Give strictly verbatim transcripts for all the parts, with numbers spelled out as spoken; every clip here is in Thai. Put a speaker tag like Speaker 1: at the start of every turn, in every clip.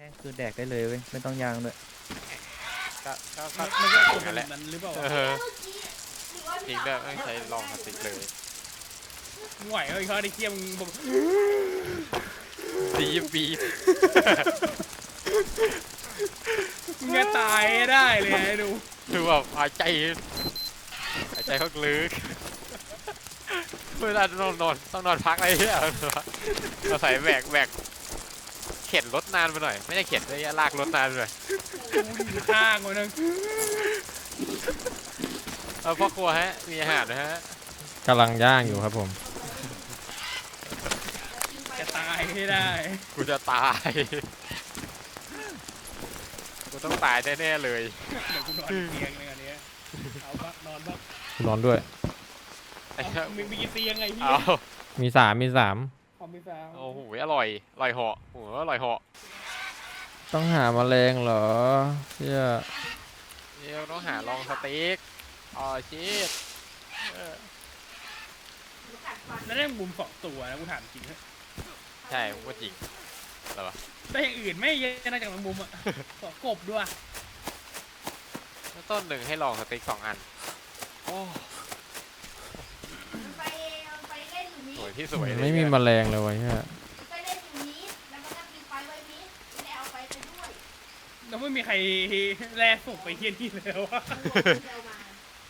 Speaker 1: คือแดกได้เลยเว้ยไม่ต้องยางด้วย
Speaker 2: ก็ก็ก็
Speaker 3: มันก็
Speaker 2: อ
Speaker 3: ค
Speaker 2: ย่างนั้นแหละ
Speaker 3: นั้นหรือเปล่า
Speaker 2: เออจริงด้วยไม่ใช้ลองพลาสติกเลย
Speaker 3: ไหวเอ้ยเขาได้เคี่ยมบอก
Speaker 2: บีบบีบ
Speaker 3: มึงจะตายได้เลยไอ้ดู
Speaker 2: คือแบบหายใจหายใจเขาลึกเวลานอนนอนต้องนอนพักอะไรเนี่ยเราใส่แบกแบกเข็นรถนานไปหน่อยไม่ได้เข็นเลยลากรถนานไปหน่อย
Speaker 3: กูอยู่ข้างมันนึง
Speaker 2: เออพ่อครัวฮะมีอาหารนะฮะ
Speaker 4: กำลังย่างอยู่ครับผม
Speaker 3: จะตายให้ได้
Speaker 2: กูจะตายกูต้องตายแน่ๆเลย
Speaker 3: เดี๋ยวกูนอนเตียงเลยอันเนี้ยเอาบ้านอนบ้าง
Speaker 4: นอนด้วย
Speaker 2: ไอ้เหี้ย
Speaker 3: มึงมีกี่เตียงไงพี่
Speaker 2: เอา
Speaker 4: มีสามมีสาม
Speaker 3: คอมพิวเตอร์
Speaker 2: โอ้โหอร่อยอร่อยเหาะโอ้โหอร่อยเหาะ
Speaker 4: ต้องหาแมลงเหรอเชี่ย
Speaker 2: เดี๋ยวต้องหาลองสเต็กอ๋อชีสเออ
Speaker 3: แล้วได้มุมสองตัวนะกูถามจริงเถอะ
Speaker 2: ใช่ผมก็จริงอะไรวะ
Speaker 3: ได้อย่างอื่นไม่เยอะนะจากมุมอ่ะขอกบด้วย
Speaker 2: แล้วต้นหนึ่งให้ลองสเต็กสองอันโอ้
Speaker 5: ไปไปเล่นอยู่นี้
Speaker 2: สวยที่สวยเลย
Speaker 4: ไม่มีแมลงเลยวะเชี่ย
Speaker 5: ไปเล่นอยู่นี้แล้วมันก็มีไฟไว้นี้ไม่ได้เอาไปไปด้วย
Speaker 3: แล้วไม่มีใครแลส่งไปเที่ยนี่เลยวะ
Speaker 5: เอามา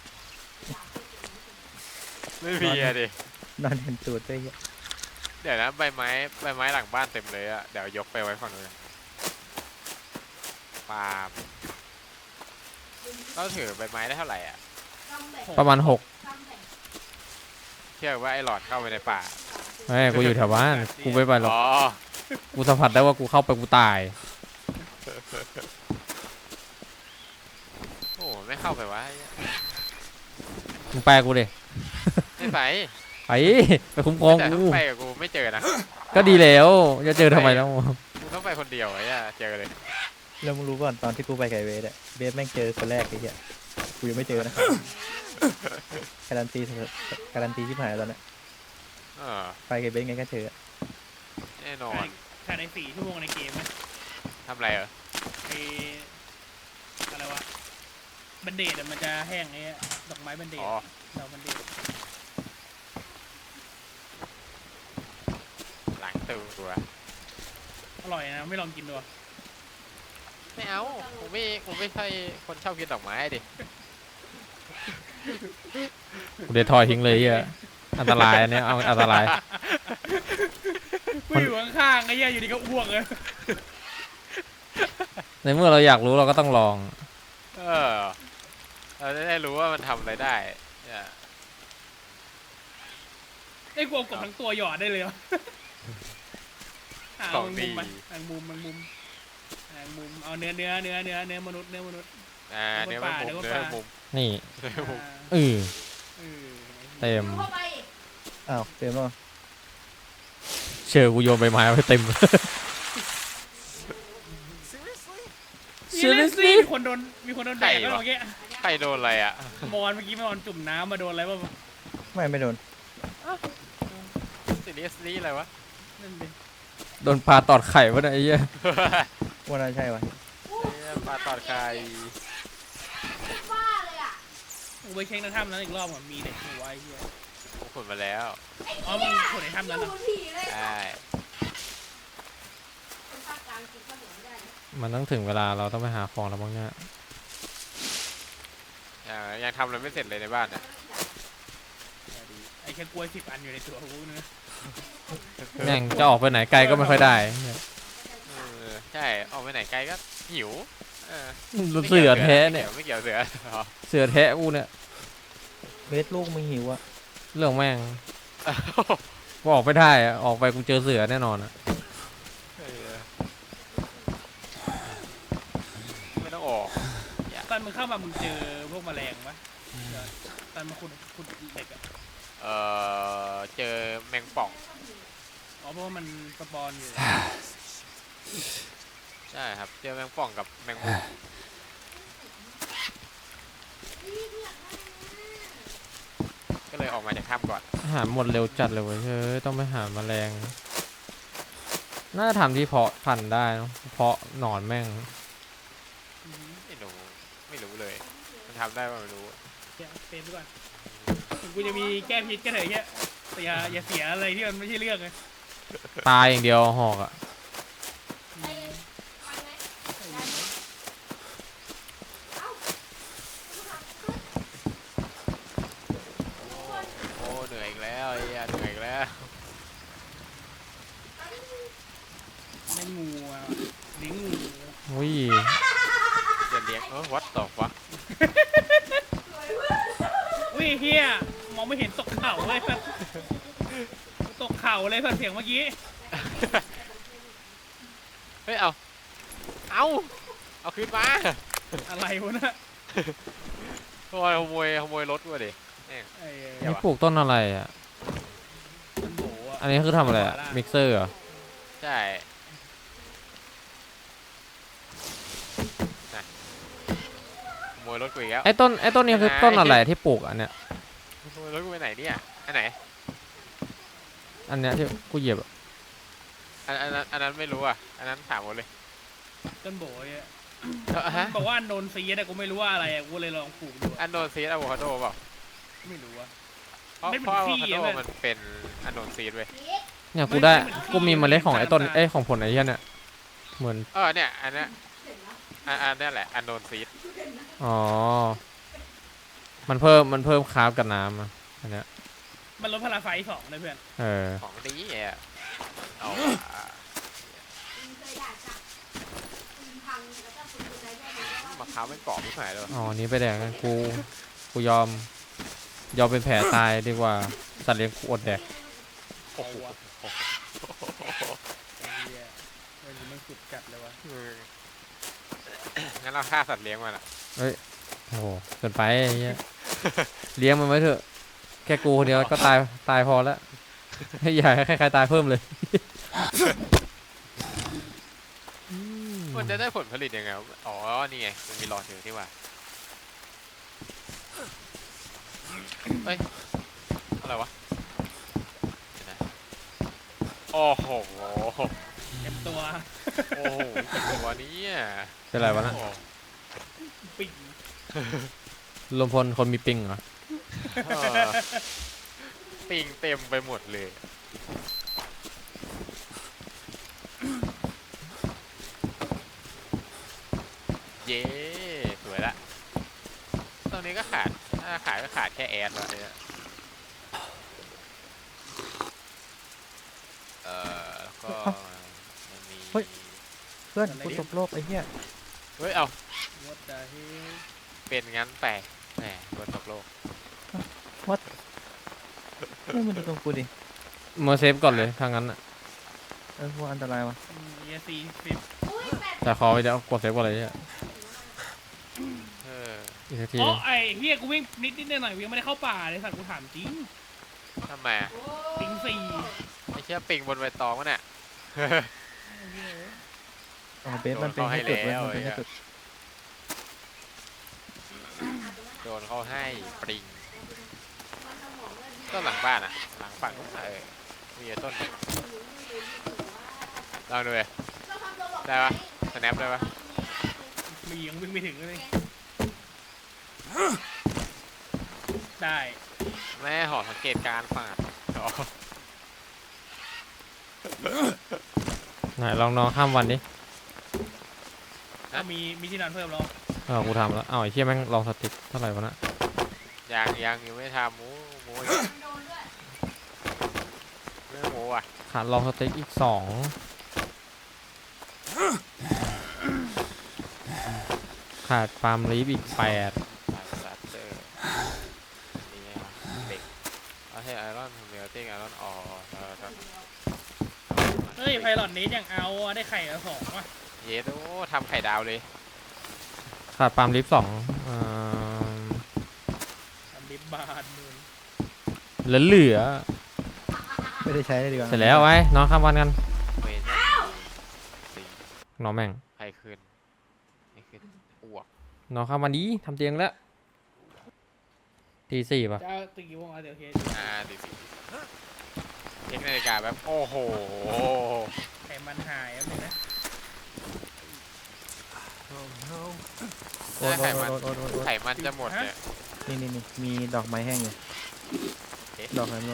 Speaker 2: ไม่มีอะดิ
Speaker 1: นอนเห็นตูดด้วยเหี้ย
Speaker 2: เดี๋ยวนะใบไม้ใบไม้หลังบ้านเต็มเลยอะเดี๋ยวยกไปไว้ฝั่งนู้นนะปาล์มเราถือใบไม้ได้เท่าไหร่อ่ะ
Speaker 4: ประมาณหก
Speaker 2: เชื่อว่าไอ้หลอดเข้าไปในป่า
Speaker 4: เฮ้ยกูอยู่แถวบ้านกูไม่ไปหรอก
Speaker 2: อ๋อ
Speaker 4: กูสัมผัสได้ว่ากูเข้าไปกูตาย
Speaker 2: โอ้ไม่เข้าไปวะ
Speaker 4: มึงแปลกูดิ
Speaker 2: ไม่ไป
Speaker 4: ไปไปคุ้มครอง
Speaker 2: แต่
Speaker 4: กู
Speaker 2: ถ้าไปกับกูไม่เจอนะ
Speaker 4: ก็ดีแล้วจะเจอทำไมแล้ว
Speaker 2: กูต้องไปคนเดียวไอ้เนี่ยเจอเลย
Speaker 1: แล้วมึงรู้ก่อนตอนที่กูไปไก่เวสอะเบสแม่งเจอคนแรกไอ้เหี้ยกูยังไม่เจอนะการันตีการันตีที่หายแล้วนะ
Speaker 2: เออ
Speaker 1: ไปไก่เบสไงก็เจอ
Speaker 2: แน่นอน
Speaker 3: ภายในสี่ชั่วโมงในเกมไหม
Speaker 2: ทำอะไรเหรอ
Speaker 3: ไออะไรวะบันเดดมันจะแห้งไอ้ดอกไม้บันเดด
Speaker 2: อ๋อ
Speaker 3: ดอกบันเดด
Speaker 2: หลังตูตัว
Speaker 3: อร่อยนะไม่ลองกินดู
Speaker 2: ไม่เอาผมไม่ผมไม่ใช่คนชอบกินดอกไม้ดิ
Speaker 4: กูเดทอยทิ้งเลยเฮียอันตรายอันเนี้ยเอาอันตราย
Speaker 3: กูอยู่ข้างๆไอ้เหี้ยอยู่ดีก็อ้วกเลย
Speaker 4: ในเมื่อเราอยากรู้เราก็ต้องลอง
Speaker 2: เออเราจะได้รู้ว่ามันทำอะไรได้เนี่ย
Speaker 3: ไอ้กูเอากบทั้งตัวหยอดได้เลยวะอ่ะเอาแมงมุมไปแมงมุมแมงมุมแมงมุมเอาเนื้อเนื้อเนื้อเนื้อเนื้อมนุษย์เนื้อมนุษย์
Speaker 2: อ่าเนื้อมันมุม
Speaker 3: เนื้
Speaker 2: เนื้
Speaker 3: อ
Speaker 2: อ
Speaker 3: ปลา
Speaker 2: มุม
Speaker 4: นี่
Speaker 2: เนื้อมุม
Speaker 4: เออ
Speaker 3: เออ
Speaker 4: เต็ม
Speaker 5: เข้าไป
Speaker 1: อ้าวเต็มแล้ว
Speaker 4: เชื่อกูโยนใบไม้ไว้เต็ม
Speaker 3: Seriously มีคนโดนมีคนโดนแดกแล้วเมื่อกี้
Speaker 2: ใครโดนอะไรอ่ะ
Speaker 3: มอนเมื่อกี้มอนจุ่มน้ำมาโดนอะไรบ้าง
Speaker 1: ไม่ไม่โดน
Speaker 2: ซีเรียสนี่อะไรวะ
Speaker 3: นั่นดิ
Speaker 4: โดนปลาตอดไข่วะเนี่ยไอ้เหี้ย
Speaker 1: ว่าน่าใช่วะ
Speaker 2: ปลาตอดไข่
Speaker 5: บ้าเลยอ่ะ
Speaker 3: กูไปเช็คในถ้ำนั้นอีกรอบก่อนมีเด็กหัวไอ้เหี้ย
Speaker 2: ผมขุดมาแล้ว
Speaker 3: อ๋อมึงคนในถ้ำนั้น
Speaker 5: ดู
Speaker 3: นะ
Speaker 5: ผีเลย
Speaker 2: ใช่
Speaker 5: เป็นภาคกลางกินข้าวเหนียวไม่ได้
Speaker 4: มันต้องถึงเวลาเราต้องไปหาของแล้วบ้างเนี่ย
Speaker 2: อ่ายังทำอะไรไม่เสร็จเลยในบ้านอ่ะ
Speaker 3: ไอ้แค่กล้วยสิบอันอยู่ในตัวกูนะ
Speaker 4: แม่งจะออกไปไหนไกลก็ไม่ค่อยได้
Speaker 2: เออใช่ออกไปไหนไกลก็หิวเออ
Speaker 4: เสือแท้เนี่ย
Speaker 2: ไม่เกี่ยวเสืออ๋อ
Speaker 4: เสือแท้กูเนี่ย
Speaker 1: เบสลูกมึงหิวอะ
Speaker 4: เรื่องแม่งกูออกไม่ได้อะออกไปกูเจอเสือแน่นอนอะ
Speaker 2: เออไม่ต้องออก
Speaker 3: ตอนมึงเข้ามามึงเจอพวกแมลงปะตอนมาขุดขุดเหล็กอะ
Speaker 2: เออเจอแมงป่อง
Speaker 3: อ๋อเพราะว่ามันสปอนอยู่
Speaker 2: ใช่ครับเจอแมงป่องกับแมงมุมก็เลยออกมาจากถ้ำก่อน
Speaker 4: อาหารหมดเร็วจัดเลยเว้ยเฮ้ยต้องไปหาแมลงน่าจะทำที่เพาะพันธุ์ได้เนอะเพาะหนอนแม่ง
Speaker 2: ไม่รู้ไม่รู้เลย มันทำได้ป่ะไม่รู้
Speaker 3: เดี๋ยวเป็นด้วยถึงกูจะมีแก้พิษก็เถอะเงี้ยแต่อย่าอย่าเสียอะไรที่มันไม่ใช่เรื่องไง
Speaker 4: ตายอย่างเดียวหอกอะ
Speaker 5: ไอ้ฟังไหมได้ไหมเอ้า
Speaker 2: โอ้เหนื่อยอีกแล้วไอ้เหี้ยเหนื่อยอีกแล้ว
Speaker 3: ไม่งูอ่ะลิงงู
Speaker 4: อุ้ย
Speaker 2: อย่าเลี้ยงเออวัดต่อวะ
Speaker 3: อุ้ยเฮียมองไม่เห็นตกเข่าเลยแบบตกเข่าเลยแบบเสียงเมื่อกี้
Speaker 2: เฮ้ยเอาเอาเอาคืนมา
Speaker 3: อะไรวะนะ
Speaker 2: โอ้ยขโมยขโมยรถกูดิแม่ง
Speaker 3: ไอ้
Speaker 2: เดี๋ยว
Speaker 4: นี่ปลูกต้นอะไรอะ
Speaker 3: ต้นโบอ่ะ
Speaker 4: อันนี้คือทำอะไรอะมิกเซอร์เหรอ
Speaker 2: ใช่น่ะขโมยรถกูอีกแล้ว
Speaker 4: ไอ้ต้นไอ้ต้นนี้คือต้นอะไรที่ปลูกอันเนี้ย
Speaker 2: ขโมยรถกูไปไหนเนี่ยอันไหน
Speaker 4: อันเนี้ยที่กูเหยียบอะ
Speaker 2: อันอันนั้นอันนั้นไม่รู้อ่ะอันนั้นถามหมดเลย
Speaker 3: ต้นโบอ่ะ
Speaker 2: เอ้าฮะ
Speaker 3: บอกว่าอันโดนซีแต่กูไม่รู้ว่าอะไรอ่ะกูเลยลองปลูกดู
Speaker 2: อันโดนซีดอะโวคาโดเปล่า
Speaker 3: ไม่รู้อ่ะ
Speaker 2: เพราะ
Speaker 3: ไม่เห
Speaker 2: เพ
Speaker 3: มือน
Speaker 2: ราะอะโว
Speaker 3: ขี้
Speaker 2: คาโด
Speaker 3: อะเว้ย
Speaker 2: มันเป็นอันโดนซีดเว้ย
Speaker 5: พีท
Speaker 4: เนี่ยกูได้
Speaker 3: ไม่ไม่
Speaker 4: กูมีเมล็ดของไอ้ต้น
Speaker 3: น้ำตาล
Speaker 4: ไอ้ของผลไอ้เหี้ยเนี่ยเหมือน
Speaker 2: เออเนี่ยอันเนี้ยอันอันเนี้ยแหละอันโดนซีด
Speaker 4: อ๋อมันเพิ่มมันเพิ่มคาร์บกับน้ำอะอันเนี้ย
Speaker 3: มันลดพลังไฟสองเลยเพื่อน
Speaker 4: เออ
Speaker 2: ของดีอ่ะเอา
Speaker 5: มึงเคยด่าจับมึงพังแล้วก็คุณอะไรด้วยมึงก็
Speaker 2: มะพร้าวไม่กรอบไม่หายเลย
Speaker 4: อ๋อนี่ไปแดกกันกูกูยอมยอมเป็นแผลตายดีกว่าสัตว์เลี้ยงกูอดแดก
Speaker 2: โอ้โห
Speaker 3: ไอ้เหี้ยมันมันสุดจัดเลยวะ
Speaker 2: อืมงั้นเราฆ่าสัตว์เลี้ยงมันอ่ะ
Speaker 4: โอ้โหเกินไปไอ้เหี้ยเลี้ยงมันไว้เถอะแค่กูคนเดียวก็ตายตายพอแล้วให้อย่าให้ใครๆตายเพิ่มเลย
Speaker 2: มันจะได้ผลผลิตยังไงวะอ๋อนี่ไงมันมีหลอดอยู่ที่ว่าเอ้ยอะไรวะเดี๋ยวนะโอ้โห
Speaker 3: เต็มตัว
Speaker 2: โอ้โหกี่ตัวเนี้อ่ะ
Speaker 4: เป็นไรวะนะ
Speaker 3: ปิ่ง
Speaker 4: ลมพลคนมีปิงเหรอ
Speaker 2: ปิงเต็มไปหมดเลยเย้สวยละตรงนี้ก็ขาดถ้าขาดก็ขาดแค่แอดแล้วเนี่ยเออแล้วก็มันมี
Speaker 1: เฮ้ย เพื่อนกูตกโลกไอ้เหี้ย
Speaker 2: เฮ้ยเอา
Speaker 3: วัดดาเฮ
Speaker 2: เป็นงั้นไปแหมโดนตกโลก
Speaker 1: ไม่มันจะตรงกูดิ
Speaker 4: เมอร์เซฟก่อนเลยถ้างั้นอะ
Speaker 1: เออพวกอันตรายวะ
Speaker 3: เอซีสิบ
Speaker 5: อุ้ยแปด
Speaker 4: แต่ขอไปเดี๋ยวกดเซฟก่อนเลยเนี่ย
Speaker 2: เออ
Speaker 4: อีกสักที
Speaker 3: อ๋อไอ้เฮียกูวิ่งนิดนิดหน่อยหน่อยๆกูยังไม่ได้เข้าป่าเลยสัตว์กูถามจริง
Speaker 2: ทำไมอะ
Speaker 3: ปิงสี่
Speaker 2: ไม่เชื่อปิงบนใบตองวะเนี่ย
Speaker 1: อ๋อเบสมันเป็นให้จุดเว้ย
Speaker 2: โดน
Speaker 1: มัน
Speaker 2: เขาให้
Speaker 1: เป็น
Speaker 2: แล้ว
Speaker 1: ให้จุด
Speaker 2: โดนเขาให้ปริงต้นหลังบ้านอ่ะ หลังฝั่งนู้นอะเออมีอยู่ต้นหนึ่งลองดูเลยได้ปะสแนปได้ปะ
Speaker 3: มียังวิ่งไม่ถึงเลยได้
Speaker 2: แม่หอสังเกตการณ์ป่าดอ๋อ
Speaker 4: ไหนลองนอนข้ามวันดิ
Speaker 3: ก็มีมีที่นอนเพิ่มแล้ว
Speaker 4: เออกูทำแล้วอ้าวไอ้เชี่ยแม่งลองสติ๊กเท่าไหร่วะนะ
Speaker 2: ยังยังยังไม่ทำหมูหมูอีก
Speaker 5: โดนด้วย
Speaker 2: เรื่องหมูอ่ะ
Speaker 4: ขาดลองสติ๊กอีกสองขาดปาล์มลีฟอีกแปด
Speaker 2: สัตว์เตอร์นี่ไงเด็กเอาให้ไอรอนเมลติ้งไอรอนออแล้วก็
Speaker 3: เฮ้ยไพลอตนี้ยังเอาอะได้ไข่ละสองว่ะ
Speaker 2: เยสโอ้ทำไข่ดาวเลย
Speaker 4: ขาดปาล์มลีฟสองอ่า
Speaker 3: ทำลิบบาทมือ
Speaker 4: เหลือเหลือ
Speaker 1: ไม่ได้ใช้เลยดีกว่า
Speaker 4: เสร็จแล้วไว้นอนข้ามวันกัน
Speaker 2: เวนสี่
Speaker 4: นอนแม่ง
Speaker 2: ใครขึ้นไม่ขึ้นอ้วก
Speaker 4: นอนข้ามวันนี้ทำเตียงแล้วตีสี่ป่ะ
Speaker 3: จะเอาตีกี่โมงเอาเดี๋ยวเคส
Speaker 2: อ่าดีสิเทคนาฬิกาแบบโอ้โห
Speaker 3: ไขมันหายแล้วนึงนะ
Speaker 1: โอ้ย
Speaker 2: ถ้าไขมัน
Speaker 1: โอ้ยโอ้ยโอ้ยโอ้ย
Speaker 2: ไขมันจะหมดเนี่ย
Speaker 1: นี่นี่นี่มีดอกไม้แห้งอยู่
Speaker 2: เอ๊ะ
Speaker 1: ดอกอะไรไม่รู้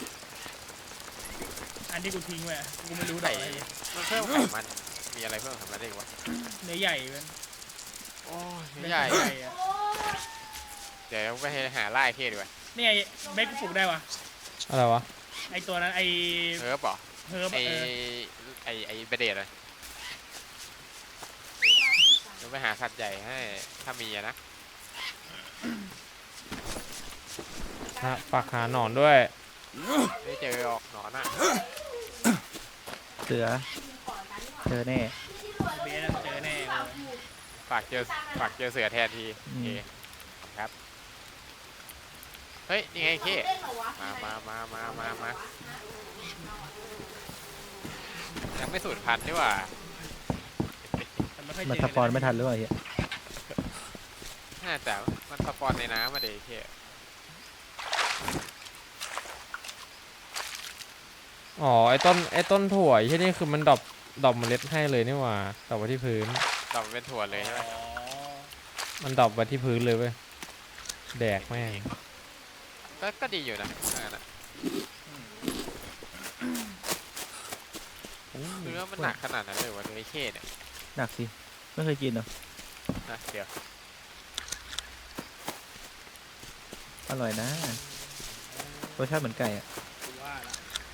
Speaker 3: อันที่กูทิ้งไว้อะกูไม่รู้ด
Speaker 2: ไข
Speaker 3: อกอะไร
Speaker 2: มันเพิ่มไขมันมีอะไรเพิ่มไขมันได้อีกวะ
Speaker 3: เนื้อใหญ่เป็น
Speaker 2: โอ้ย
Speaker 3: เนื้อ
Speaker 2: ใหญ่
Speaker 3: ใหญ่อะ
Speaker 5: โอ้ย
Speaker 2: เดี๋ยวไปหาไล่เคดีกว่า
Speaker 3: เนี่ยเบคกูปลูกได้วะ
Speaker 4: อะไรวะ
Speaker 3: ไอตัวนั้นไอ
Speaker 2: เฮิร์บเหรอ
Speaker 3: เฮิร์บ
Speaker 2: ไอ
Speaker 3: เออ
Speaker 2: ไอไอเบเดตเลยเดี๋ยวไปหาสัตว์ใหญ่ให้ถ้ามีอะนะ
Speaker 4: ฮะปักหาหนอนด้วย
Speaker 2: ไม่เจอออกหนอนอ่ะ
Speaker 1: เสือเจอแน่
Speaker 3: เบสอะเจอแน่เลย
Speaker 2: ฝากเจอฝากเจอเสือแทนทีโอเคครับเฮ้ยนี่ไงเค มามามามามามา ยังไม่สูญพันธุ์นี่หว่า
Speaker 3: แต่ไม่ค่อย
Speaker 1: มัน
Speaker 3: เจอ
Speaker 1: สปอนไม่ทันหรือเปล่าเฮีย
Speaker 2: น่าจะมันสปอนในน้ำมาเด็กเค
Speaker 4: อ๋อไอ้ต้นไอ้ต้นถั่วไอ้ที่นี่คือมันดรอปดรอปเมล็ดให้เลยนี่หว่าดรอปไว้ที่พื้น
Speaker 2: ตอบเป็นถั่วเลยใช่ไหม
Speaker 3: อ๋อ
Speaker 4: มันดรอปไว้ที่พื้นเลยเว้ยแดกแม่ง
Speaker 2: ก็ก็ดีอยู่นะอันนั้นอะเนื้อมันหนักขนาดนั้นเลยวะเนื้อเคเนี่ย
Speaker 1: หนักสิไม่เคยกินเหรอ
Speaker 2: นะเดี๋ยว
Speaker 1: อร่อยนะรสชาติเหมือนไก่อะ
Speaker 3: กูว่าละ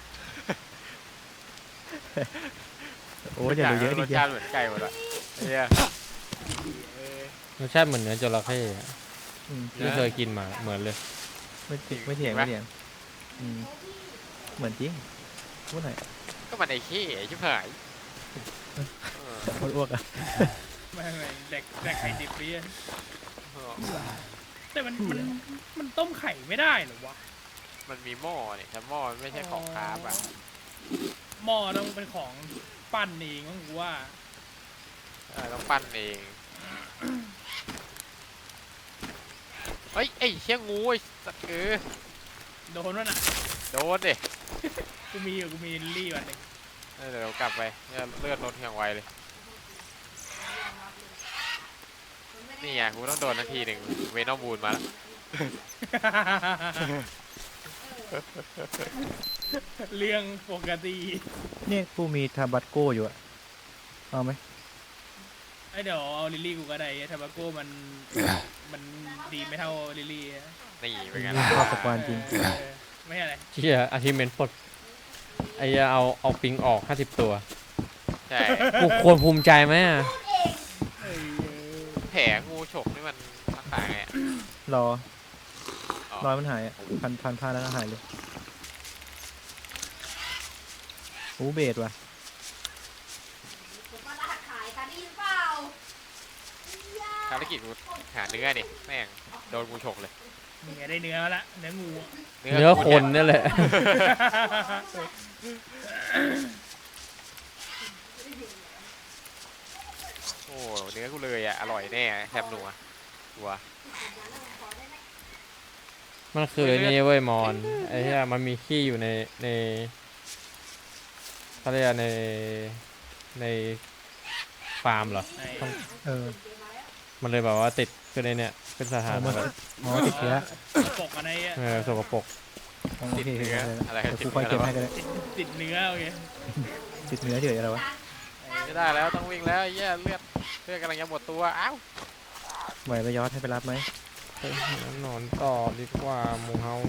Speaker 1: โอ้ยอย่าดูเยอะดิ
Speaker 2: รส
Speaker 1: เฮีย
Speaker 2: ชาติเหมือนไก่หมดอะเนี่ย
Speaker 3: เออ
Speaker 4: รสชาติเหมือนเนื้อจระเข้อะ
Speaker 1: อืม
Speaker 4: ที่เคยกินมาเหมือนเลย
Speaker 1: ไม่ติไม่เถียงไม่เถียงอืมเหมือนจริงพูดหน่อย
Speaker 2: ก็มันไอ้เคไอ้ชิบหายเออ
Speaker 1: อ้วกๆอะ
Speaker 3: ไม่ไม่แดกแดกไข่ดิบไปเยอะ
Speaker 2: เออ
Speaker 3: แต่มันมันมันต้มไข่ไม่ได้เหรอวะ
Speaker 2: มันมีหม้อเนี่ยแต่หม้อมันไม่ใช่ของคาร์บอะ
Speaker 3: หม้อต้องเป็นของปั้นเองมั้งกูว่า
Speaker 2: เออต้องปั้นเองเฮ้ยไอ้เชี่ยงูไอ้สัตว์เออ
Speaker 3: โดนวะน่ะ
Speaker 2: โดนดิ
Speaker 3: กูมีอยู่กูมีลิลลี่วันหนึง
Speaker 2: เออเดี๋ยวกลับไปเนี่ยเลือดลดอย่างไวเลย นี่ไงกูต้องโดนนาทีหนึ่งเวนอมบูนมาแล้ว
Speaker 3: เรื่องปกติ
Speaker 1: เนี่ยกูมีทาบัตโก้อยู่อะเอาไหม
Speaker 3: ไอเดี๋ยวเอาลิลลี่กูก็ได้ทาบาโก้มันมันดีไม่เท่าลิลลี่อะ
Speaker 2: นี่เป็นไง
Speaker 1: นี่
Speaker 2: ล่ะ
Speaker 1: ชอบสปอนจริง
Speaker 3: เออไม่ใช่อะไร
Speaker 4: เชี่ยอาทิเมนปลดไอ้เหี้ยเอาเอาปิงออกห้าสิบตัว
Speaker 2: ใช่
Speaker 4: กูควรภูมิใจไหมอะ
Speaker 3: เอ้ย
Speaker 2: แผลงูฉกนี่มันรักษาไงอะ
Speaker 1: รอ
Speaker 2: อ๋อ
Speaker 1: รอยมันหายอะพันพันผ้าแล้วก็หายเลยโอ้เบสว่ะ
Speaker 5: ผมมาลาดขายกันได้ยินเปล่า
Speaker 2: ภารกิจกูหาเนื้อดิแม่งโดนงูฉกเลย
Speaker 3: นี่ไงได้เนื้อมาละเนื้องูอะ
Speaker 4: เนื้อคนนี่แหละ
Speaker 2: โอ้เนื้อกูเลยอ่ะอร่อยแน่แฮมหนัววัว
Speaker 4: มันคือไอ้นี่เว้ยมอนไอ้เหี้ยมันมีขี้อยู่ในในเขาเรียกในในฟาร์มเหรอ
Speaker 3: ไอ้
Speaker 1: เออ
Speaker 4: มันเลยแบบว่าติดคือในเนี่ยเป็นสถาน
Speaker 1: เอามา
Speaker 4: แบบ
Speaker 1: อ๋อติดเชื้อ
Speaker 3: ปกอะไรอะ
Speaker 4: เออสกปรก
Speaker 1: โอ
Speaker 2: ติด
Speaker 1: เค
Speaker 2: เนื้ออะไร
Speaker 1: เดี๋ยว
Speaker 2: ติด
Speaker 1: กูคอย
Speaker 2: เนื้
Speaker 1: เก็บ
Speaker 2: อ
Speaker 1: ให้ก็ได้
Speaker 3: ติดติดเนื้อโอเค
Speaker 1: ติดเนื้อเฉยอะไรวะ
Speaker 2: ไม่ได้แล้วต้องวิ่งแล้วไอ้เหี้ยเลือดเลือดกำลังจะหมดตัวอ้าว
Speaker 1: ไหวไปยอดให้ไปรับไหม
Speaker 4: ไปหาหนอนต่อดีกว่าหมูเฮา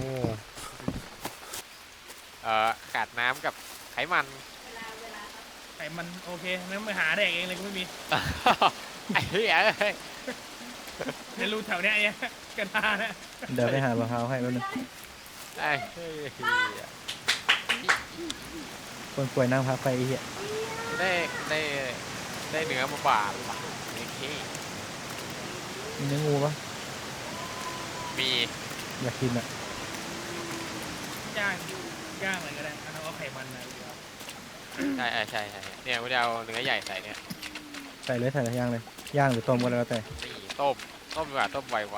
Speaker 2: เอ่อขาดน้ำกับไขมัน
Speaker 3: ไอ้มันโอเคงั้นไปหาแดกเองเลยกูไม่มี
Speaker 2: ไอ้เหี้ยเอ้ย
Speaker 3: ในรูแถวเนี้ยไอ้เนี่ยกระดาษนะ
Speaker 1: เดี๋ยวไปหามะพร้าวให้แป๊บนึง
Speaker 2: ไอ้เหี้ย
Speaker 1: คนป่วยนั่งพักไปไอ้เหี้ย
Speaker 2: ได้ได้ได้เนื้อมาบาดว่ะโอเค
Speaker 1: มีเนื้องูปะ
Speaker 2: มี
Speaker 1: อยากกินอะ
Speaker 3: ย่างย่างอะไรก็ได้เอาเอาไขมันอะไรดีกว่า
Speaker 2: ใช่ใช่ใช่ใช่เนี่ยกูจะเอาเนื้อใหญ่ใส่เนี่ย
Speaker 1: ใส่เลยใส่ย่างเลยย่างหรือต้มก็แล้วแต่
Speaker 2: นี่ต้มต้มดีกว่าต้มไวกว่า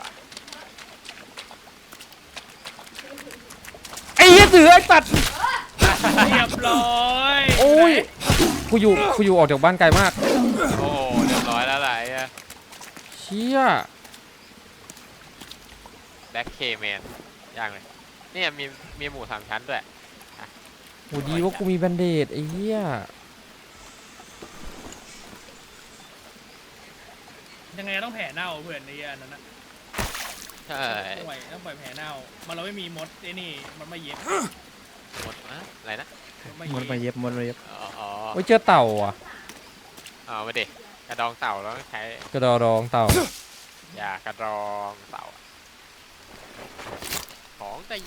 Speaker 4: ไอ้เหี้ยเสือไอ้สัตว์
Speaker 3: เรียบร้อย
Speaker 4: โอ้ยกูกูอยู่กูอยู่ออกจากบ้านไกลมาก
Speaker 2: โอ้เรียบร้อยแล้วไหลอะ
Speaker 4: เชี่ย
Speaker 2: แบ็คเคแมนย่างเลยเนี่ยมีมีหมูสามชั้นด้วย
Speaker 4: โอ้ดีว่ากูมีแบนเดดไอ้เหี้ย
Speaker 3: ยังไงต้องแผลเน่าเพื่อนในอันนั้นนะ
Speaker 2: ใช่
Speaker 3: ต้องปล่อยต้องปล่อยแผลเน่ามันเราไม่มีมดไอ้นี่มันไม่เย็บ
Speaker 2: หมดนะอะไรนะ
Speaker 1: มดมาเย็บมดมาเย็บ
Speaker 2: อ๋ออ๋อ
Speaker 4: โอ้ยเจอเต่าอ่ะ
Speaker 2: เอามาดิกระดองเต่าแล้วต้องใช้
Speaker 4: กระดอรองเต่า
Speaker 2: ยากระดองเต่าของตี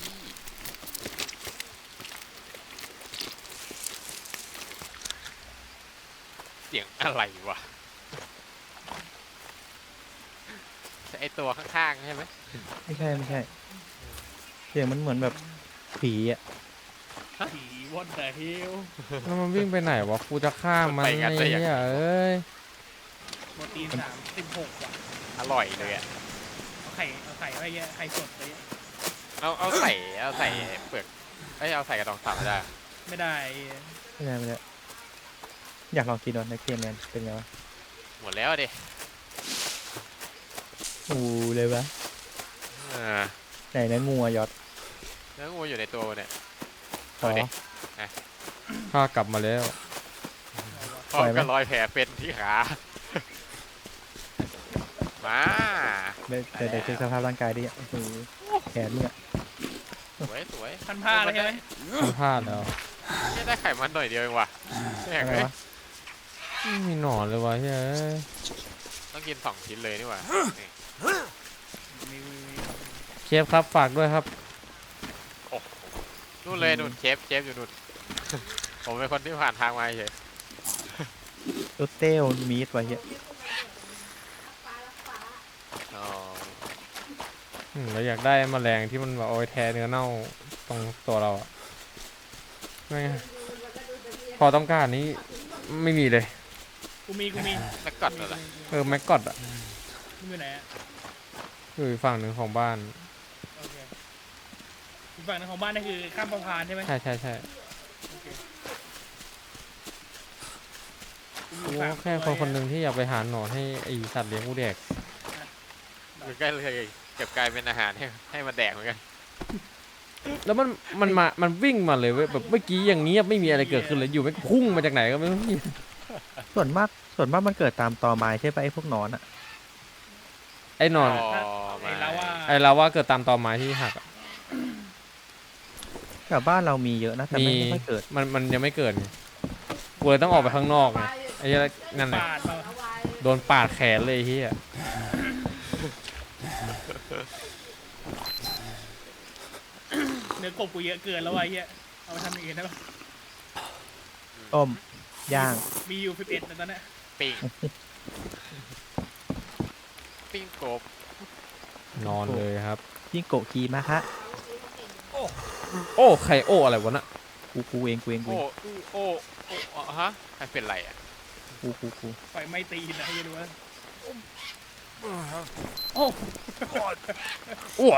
Speaker 2: เสียงอะไรวะไอตัวข้างๆใช่ไหม
Speaker 1: ไม่ใช่ไม่ใช่เสียงมันเหมือนแบบผีอ่ะ
Speaker 3: ผีวอดแต่ฮิล
Speaker 4: แล้วมันวิ่งไปไหนวะกูจะฆ่ามันไอ้เหี้ยเอ้ย
Speaker 3: โปรตีนสามสิบหกว่ะ
Speaker 2: อร่อยเลยอ่ะ
Speaker 3: เอาไข่เอาไข่ไว้เงี้ยไข่สดไปเงี้ย
Speaker 2: เอาเอาใส่เอาใส่เปลือกเอ้ยเอาใส่กระดองเต่าได้
Speaker 3: ไม่ได้
Speaker 1: ไม่ได้ไม่ได้อยากลองกินดูในเกมแมนเป็นไงวะ
Speaker 2: หมดแล้วดิ
Speaker 1: อูเลยวะ
Speaker 2: อ่า
Speaker 1: ไหนนะงูอะยอด
Speaker 2: เนื้องูอยู่ในตัวเนี่ย
Speaker 1: ขอ
Speaker 2: เอาดิ
Speaker 4: ข้ากลับมาแล้ว
Speaker 2: พร้อมกับรอยแผลเป็นที่ขา มา
Speaker 1: เดี๋ยวเดี๋ยวเดี๋ยวเช็คสภาพร่างกายดิโอ้โหแขนมึงอะ
Speaker 2: สวยสวย
Speaker 3: พันผ้าเลยใช่ไหม
Speaker 4: มันพลาดแล้ว
Speaker 2: เนี่ยได้ไขมันหน่อยเดียวเองว่ะแม่ง
Speaker 1: อะไร
Speaker 2: เอ้ยว
Speaker 1: ะ
Speaker 4: ไม่มีหนอนเลยวะเฮ้ย
Speaker 2: ต้องกินสองชิ้นเลยนี่หว่านี่
Speaker 3: มีมีมี
Speaker 4: เชฟครับฝากด้วยครับ
Speaker 2: นู่นเลยนู่นเชฟเชฟอยู่นู่น ผมเป็นคนที่ผ่านทางมาเฉย
Speaker 1: รสเต้ลมีดไว้เหี้ย
Speaker 2: อ๋อ
Speaker 4: อืมเราอยากได้แมลงที่มันแบบเอาไว้แทนเนื้อเน่าตรงตัวเราอะไม่งพอต้องการนี้ไม่มีเลย
Speaker 3: กูมีกูมี
Speaker 2: แล้วกัดอะไร
Speaker 4: เออแม็กกอดอะ
Speaker 3: มึงอยู่ไหนอะ
Speaker 4: อยู่อีกฝั่งหนึ่งของบ้าน
Speaker 3: โอเคอีกฝั่งหนึงของบ้านนี่คือข้ามสะพานใช่ไหม
Speaker 4: ใช่ใช่ใช่
Speaker 3: โอเค
Speaker 4: กูก็แค่คนคนหนึ่งที่อยากไปหาหนอนให้ไอสัตว์เลี้ยงกูแดก
Speaker 2: คือใกล้เลยเก็บกลายเป็นอาหารให้ให้มันแดกเหมือนกัน
Speaker 4: แล้วมันมันมามันวิ่งมาเลยเว้ยแบบเมื่อกี้อย่างเงี้ยบไม่มีอะไรเกิดขึ้นเลยอยู่ไม่พุ่งมาจากไหนก็ไม่รู้
Speaker 1: ส่วนมากส่วนมากมันเกิดตามตอไม้ใช่ปะไอ้พวกหนอนอ่ะ
Speaker 4: ไอ้หนอน
Speaker 2: อ๋อ
Speaker 3: ไอ้
Speaker 2: มา
Speaker 3: เราว่า
Speaker 4: ไอ้เราว่าเกิดตามตอไม้ที่หักอะ
Speaker 1: แถวบ้านเรามีเยอะนะแต่ไม่
Speaker 4: มี
Speaker 1: ไม่ค่อยเกิด
Speaker 4: มันมันยังไม่เกิดไงกูเลยต้องออกไปข้างนอกไงไอ้เหี้ยนั่นแหละ
Speaker 3: ปาดมา
Speaker 4: โดนปาดแขนเลยไอ้เฮีย
Speaker 3: เนื้อกบกูเยอะเกินแล้ววะไอ้เหี้ยเอาไปทำอย่างอื่นได้ปะ
Speaker 1: ต้มย่าง
Speaker 3: มีอยู่สิบเอ็ดตอนเนี้ย
Speaker 2: ปิ้งปิ้งกบ
Speaker 4: นอนเลยครับ
Speaker 1: ยิ่งโกะกีมาฮะ
Speaker 4: โอ้ไข่โอ้อะไรวะน่ะ
Speaker 1: กูกูเองกูเองกู
Speaker 2: โอ้
Speaker 1: เอง
Speaker 2: โอ้โอ้โอ้ฮะใครเป็นไรอ่ะ
Speaker 1: กูกูกู
Speaker 3: ไฟไหม้ตีนนะให้ดูว่าโอ้
Speaker 4: อ้วน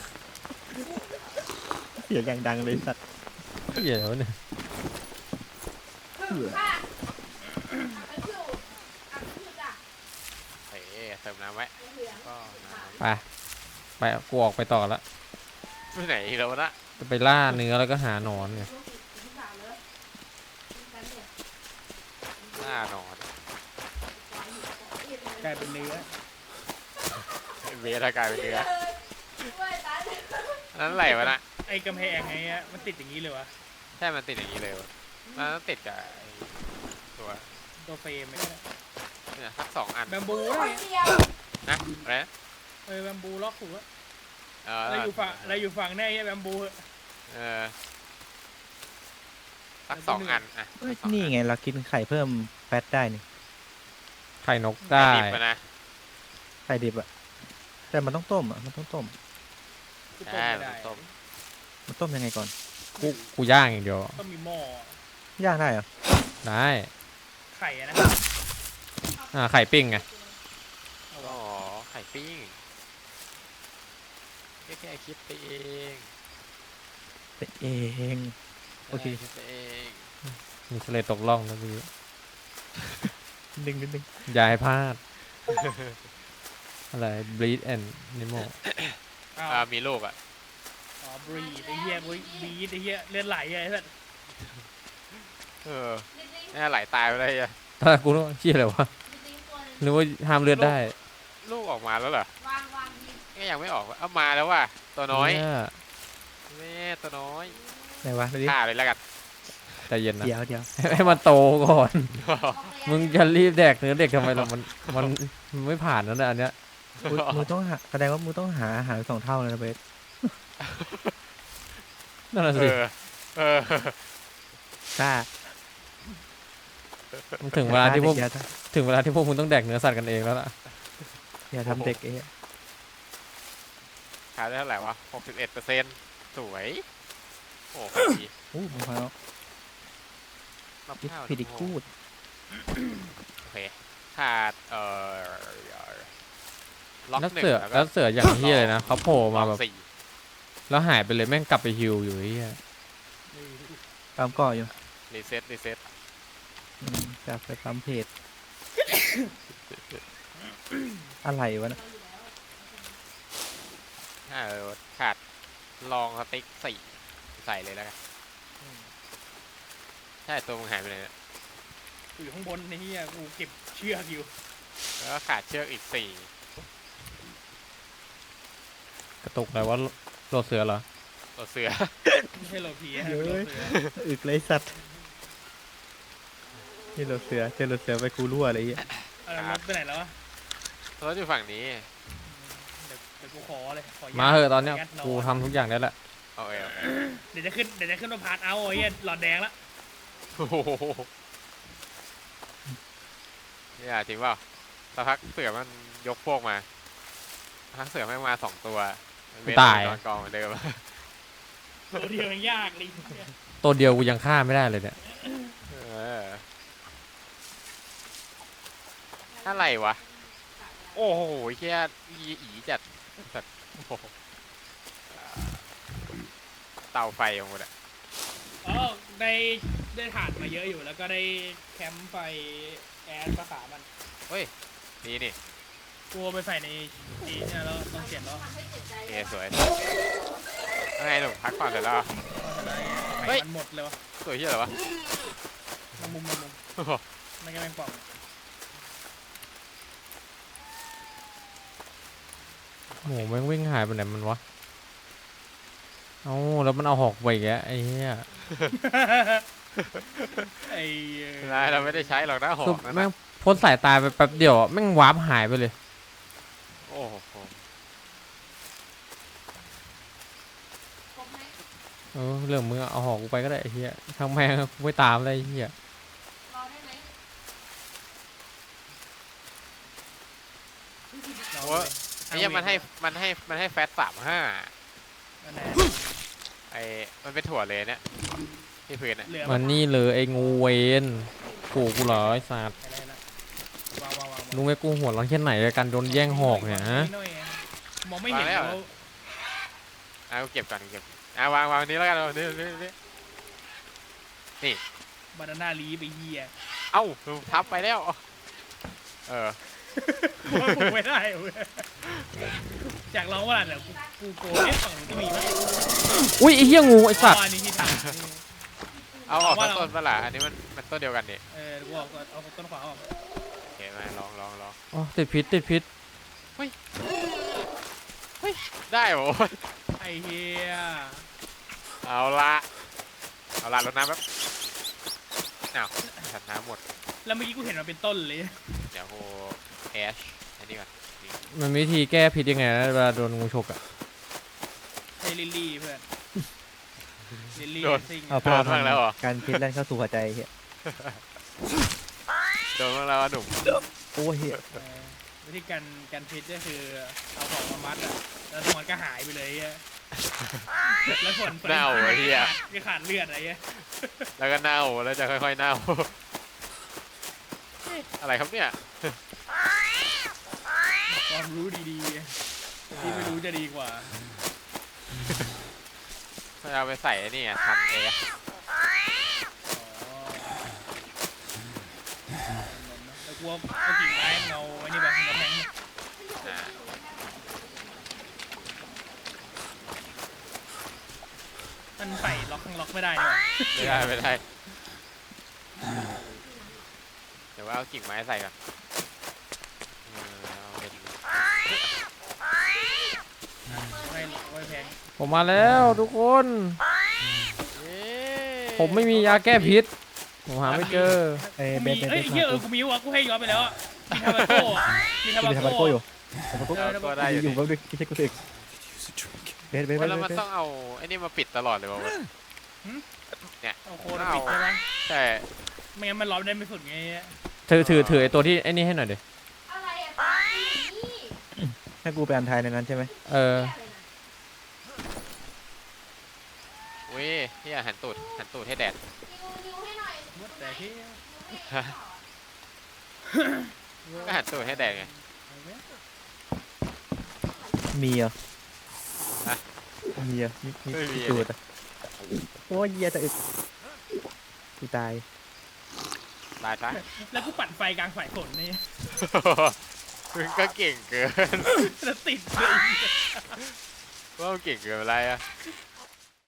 Speaker 1: เสียงอย่างดังเลยสัตว์
Speaker 4: เหี้ยแล้วะเนี่ย
Speaker 2: เฮ้ยเติมน้ำไว้ก็น้ำ
Speaker 4: ไปไปกูออกไปต่อละ
Speaker 2: ไปไหนอีกแล้วนะ
Speaker 4: จะไปล่าเนื้อแล้วก็หาหนอนไง
Speaker 2: หน้านอน
Speaker 3: กลายเป็นเนื้อ
Speaker 2: เวทากายเป็นเนื้ออันนั้นอะไรวะนะ
Speaker 3: ไอ้กำแพงไงอะมันติดอย่างนี้เลยวะ
Speaker 2: ใช่มันติดอย่างนี้เลยวะมันต้องติดกับไอ้ตัว
Speaker 3: ตัวเฟรมไอ้เนี่ย
Speaker 2: เนี่ยสักสองอัน
Speaker 3: แบมบูอะไรเนี่ย
Speaker 2: นะอะไรนะ
Speaker 3: เออแบมบูล็อกหัว
Speaker 2: เออ
Speaker 3: เราอยู่ฝั่งเราอยู่ฝั่งแน่ไอ้แบมบูอะ
Speaker 2: เออสักสองอันอ่ะ
Speaker 1: เฮ้ยนี่ไงเรากินไข่เพิ่มแฟตได้นี่
Speaker 4: ไข่นก
Speaker 2: ได้
Speaker 4: ได้
Speaker 2: ดิบอะนะ
Speaker 1: ไข่ดิบอะแต่มันต้องต้มอะมันต้องต้ม
Speaker 3: กูต้ม
Speaker 2: ใช่
Speaker 3: ไม่
Speaker 2: มัน
Speaker 3: ได้
Speaker 2: ต้ม
Speaker 1: มันต้มยังไงก่อน
Speaker 4: กูกูย่างอย่างเดียว
Speaker 3: ต้องมีหม้อ
Speaker 1: ย่างได้เหรอ
Speaker 4: ได้
Speaker 3: ไข่อะนะ
Speaker 4: อ่าไข่ปิ้งไง
Speaker 2: อ๋อไข่ปิ้งแค่แค่คิดไปเอง
Speaker 1: เป็นเองโอเค
Speaker 2: คิดไปเอง
Speaker 4: มีทะเลตกล่องนะพี่
Speaker 1: ดึงนิดนึง
Speaker 4: อย่าให้พลาด อะไร bleed and animal
Speaker 3: อ้าว
Speaker 2: อ่ามีลูกอ่ะ
Speaker 3: อ๋อบรีดไอ้เหี้ยบรีดไอ้เหี้ยเลือดไหลไอ้สัส
Speaker 2: เออแน่ไหลตายไปเลยอ่ะ
Speaker 4: ตอนแรกกูนึกว่าเชี่ยอะไรวะ
Speaker 5: จริงๆตัวหนึง
Speaker 4: นึกว่าห้ามเลือดได้
Speaker 2: ลูกออกมาแล้วเหรอ
Speaker 5: วางวางดี
Speaker 2: ก็ยังไม่ออกวะเอามาแล้วว่ะตัวน้อย
Speaker 4: เ
Speaker 2: แม่ตัวน้อย
Speaker 1: ไหนวะดูดิ
Speaker 2: ฆ่าเลยแล้วกัน
Speaker 4: ใจเย็นนะ
Speaker 1: เดี๋ยวเดี๋ยว
Speaker 4: ให้มันโตก่อน
Speaker 5: เอาไป
Speaker 4: มึงจะรีบแดกเนื้อเด็กทำไมล่ะมันมันมันไม่ผ่านแล้วนะอันเนี้ย
Speaker 1: มึงมึงต้องหาแสดงว่ามึงต้องหาอาหารสองเท่าเลยนะเบส
Speaker 4: นั่นแหะ
Speaker 2: เอ
Speaker 4: สิ
Speaker 2: อเออ
Speaker 1: กล้า
Speaker 4: มันถึงเวลาที่พวก
Speaker 1: อย่า
Speaker 4: ถึงเวลาที่พวกมึงต้องแดกเนื้อสัตว์กันเองแล้วล่ะ
Speaker 1: อย่าทำเด็กไอ้เหี้ย
Speaker 2: ขายได้เท่าไหร่วะหกสิบเอ็ดเปอร์เซ็นต์สวยโอ้โหดี
Speaker 1: อู้มะพร้าว
Speaker 2: มะพ
Speaker 1: พิ
Speaker 2: ร้าว
Speaker 1: พิดิกูด
Speaker 2: โอเคขาดเอ่อล็อก
Speaker 4: แล้ว
Speaker 2: หนึ่ง
Speaker 4: เสือ
Speaker 2: แล้วก็
Speaker 4: แล้วเสืออย่างที่เลยนะเขาโผล่มา
Speaker 2: ล็
Speaker 4: แบ
Speaker 2: อบ กสี่
Speaker 4: แล้วหายไปเลยแม่งกลับไปฮิวอยู่ไอ้เหี้ย
Speaker 1: ตามก่ออยู่
Speaker 2: รีเซ็ตรีเซ็ต
Speaker 1: อืมจากไปตามเพจ อะไรวะนะ
Speaker 2: เออขาดลองสติ๊กสี่ใส่เลยแล้วกันใช่ตัวมึงหายไปเลยเนี่ย
Speaker 3: กูอยู่ข้างบนไอ้เหี้ยกูเก็บเชือกอยู่
Speaker 2: แล้วก็ขาดเชือกอีกสี่
Speaker 4: กระตุกอะไรว่าโลดเสือเหรอ
Speaker 2: ตัวเสือ
Speaker 3: ไม่ใช่โลเพีย
Speaker 1: เยอะ
Speaker 3: โล
Speaker 1: เลย
Speaker 3: เสือ
Speaker 1: อึกเลยสัตว์นี่รถเสือเจอรถเสือไปกูรั่วอะไรเงี้ย
Speaker 3: เอารถไปไหนแล้ววะ
Speaker 2: ตัวอยู่ฝั่งนี้
Speaker 3: เดี๋ยวเดี๋ยวกูขอเลยขอยัด
Speaker 4: มาเหอะตอนเนี้ย
Speaker 3: ขยัด
Speaker 4: กูทำทุกอย่างได้แหละ
Speaker 2: โอเคโอเค
Speaker 3: เดี๋ยวจะขึ้นเดี๋ยวจะขึ้นมาพาร์ทเอาไอ้เหี้ยหลอดแดงละ
Speaker 2: โอ้โหเนี่ยจริงเปล่าสักพักเสือมันยกพวกมาสักพักเสือแม่งมาสองตัวเว้น
Speaker 4: ตาย
Speaker 2: นอนกองเหมือนเดิม
Speaker 3: ตัวเดียวยังยากเลยเหี้ย
Speaker 4: ตัวเดียวกูยังฆ่าไม่ได้เลยเนี่ย
Speaker 2: เอออะไรวะ โอ้โหแค่อีอีจัดจัดโอ้โหเตาไฟของมันอะ
Speaker 3: อ๋อได้ได้ถ่านมาเยอะอยู่แล้วก็ได้แคมป์ไฟแอดภาษามัน
Speaker 2: นี่นี่
Speaker 3: กลัวไปใส่ในนี้เนี่ยแล้วต้องเขียนแล้ว
Speaker 5: ทำให้เจ็บใจ
Speaker 2: เอสวยยังไงหนุ่มพักก่อนเสร็จแล้วเหรอ เฮ้
Speaker 3: เฮ้
Speaker 2: ย
Speaker 3: ยมันหมดเลยวะ
Speaker 2: สวยที่อะไรวะ
Speaker 3: มันมุมมันมุม
Speaker 2: โอ้โห
Speaker 3: ไม่ก็แมงป่อง
Speaker 4: โอ้โหแม่งวิ่งหายไปไหนมันวะเอ้าแล้วมันเอาหอกไปอีกแล้วไอ้เหี้ย
Speaker 3: ไอ้
Speaker 2: นายเราไม่ได้ใช้หรอกนะหอ
Speaker 4: คือก
Speaker 2: นั่น
Speaker 4: แม่ง
Speaker 2: นะ
Speaker 4: พ้นสายตาไปแป๊บเดียวอะแม่งวาร์ปหายไปเลย
Speaker 2: โอ้โห
Speaker 5: ครบไหม
Speaker 4: เออเรื่องมึงอะเอาหอกกูไปก็ได้ไอ้เหี้ยทางแม่งกูไม่ตามเลยไอ้เหี้ย
Speaker 5: รอได้ไหม
Speaker 3: เรา
Speaker 2: โอ้ยไอ้เหี้ยมันให้มันให้มันให้แฟตสามห้า
Speaker 3: อันไหน
Speaker 2: ไอ้มันเป็นถั่วเลยเนี่ยที่พื้นอ่ะ
Speaker 3: เหลือ
Speaker 4: มันนี่เลยไอ้งูเวนกูกูเหรอไอ้สัตว์
Speaker 3: อะไรละวางวางวาง
Speaker 4: รู้ไหมกูหัวร้อนแค่ไหนกับการโดนแย่งหอกเนี่ยฮะ
Speaker 3: หอยมองไม่เห็นแล้ว
Speaker 2: อ่ะกูเก็บก่อนกูเก็บอ่ะวางวางนี้แล้วกันวางนี้นี่นี่
Speaker 3: บานาน่าลีไปเหี้ย
Speaker 2: เอ้าทับไปแล้วเออ
Speaker 3: ว่ากูไม่ได้เว้ยอยากลองว่าเดี๋ยวกูกูโกเอ๊ะฝั่งนู้นก็มีมั้ย
Speaker 4: อุ้ยไอ้เหี้ยงูไอ้สัตว์
Speaker 3: อ๋ออันนี้ที่ถาม
Speaker 2: เอาออก
Speaker 3: ว่า
Speaker 2: ทั้ง
Speaker 3: เรา
Speaker 2: ต้นปะล่ะอันนี้มันมันต้นเดียวกันนี่
Speaker 3: เออกูเอาเอาต้นขวาออก
Speaker 2: โอเคมาลองลองลอง
Speaker 4: อ๋อติดพิษติดพิษ
Speaker 2: ได้โว้ย
Speaker 3: ไอ้เหี้ย
Speaker 2: เอาละเอาละรดน้ำแป๊บอ้าวถัดน้ำหมด
Speaker 3: แล้วเมื่อกี้กูเห็นมันเป็นต้นเลย
Speaker 2: เดี๋ยวกูแอชอันนี้ก่อนนี่
Speaker 4: มันมีวิธีแก้พิษยังไงนะเวลาโดนงูฉกอ่ะ
Speaker 3: ใช่ลิลลี่เพื่อนลิลลี่ซิง
Speaker 1: เอาพาพันการพิษแล่นเข้าสู่หัวใจเฮีย
Speaker 2: โดนบ้างแล้วอะหนุ่ม
Speaker 1: โอ้ยเฮีย
Speaker 3: เออวิธีการการพิษก็คือเอาของมามัดอะแล้วมันก็หายไปเลยอะแล้วผล
Speaker 2: เน่าไอ้เหี้ย
Speaker 3: ไม่ขาดเลือดอะไรเงี้ย
Speaker 2: แล้วก็เน่าแล้วจะค่อยๆเน่าเอ๊ะอะไรครับเนี่ย
Speaker 3: ความรู้ดีๆที่ไม่รู้จะดีกว่า
Speaker 2: เราไปใส่ไอ้นี่อะทำเอช
Speaker 3: อ๋อกลัวเอากิ่งไม้เงาไอ้นี่ไปเงาแพง
Speaker 2: อ่า
Speaker 3: มันใส่ล็อกข้างล็อกไม่ได้นี่หว่า
Speaker 2: ไม่ได้ไม่ได้เดี๋ยวว่าเอากิ่งไม้ใส่ก่อนเออเอาเป็น
Speaker 3: ไม่ไม่แพง
Speaker 4: ผมมาแล้วทุกคน
Speaker 2: เย้
Speaker 4: ผมไม่มียาแก้พิษ ผมหาไม่เจอ
Speaker 1: เอ้ยเบ
Speaker 3: มี
Speaker 1: สเบสเบ
Speaker 3: เอ้ย
Speaker 1: ส
Speaker 3: เฮีย
Speaker 1: มา
Speaker 3: เออกูมีวะกูให้ย้อนไปแล้วอะมีทาบาโก้อะมีทา
Speaker 1: กู
Speaker 3: บา
Speaker 1: มีทาบา
Speaker 3: โก้
Speaker 1: โก้อยู่ทาบาโก้
Speaker 2: ก็ได้อยู่
Speaker 1: อยู่
Speaker 2: ดิ
Speaker 1: แป๊บนึงพี่เช็คกูสึกเบสเบสเบส
Speaker 2: แล้วมัน
Speaker 1: เบส
Speaker 2: ต้องเอาไอ้นี่มาปิดตลอดเลยป่าวะ
Speaker 3: เอาโคนปิดใช่ไหม
Speaker 2: ใช่
Speaker 3: ไม่งั้นมันร้อนได้ไม่สุดไง
Speaker 4: ถือถือถือไอตัวที่ไอ้นี่ให้หน่อยดิ
Speaker 5: อะไรอะตานี่
Speaker 1: ให้กูไปอันทายในนั้นใช่ไหม
Speaker 4: เออ
Speaker 2: อุ้ยที่หันตูดหันตูดให้แดด
Speaker 5: นิวนิวให้หน่อย
Speaker 3: แต่ที่
Speaker 2: ฮะก็หันตูดให้แดดไง
Speaker 1: มีเหรอ
Speaker 2: ฮะ
Speaker 1: มีเหรอมีมี
Speaker 2: ไม่มี
Speaker 1: มีจูดอ่ะโอ้ยเหี้ยจะอึดกูตาย
Speaker 2: ตายซะ
Speaker 3: แล้วกูปั่นไฟกลางสายฝนนี่
Speaker 2: มึงก็เก่งเกิน
Speaker 3: แล้วติดเลย
Speaker 2: ว่ามึงเก่งเกินอะไรอะ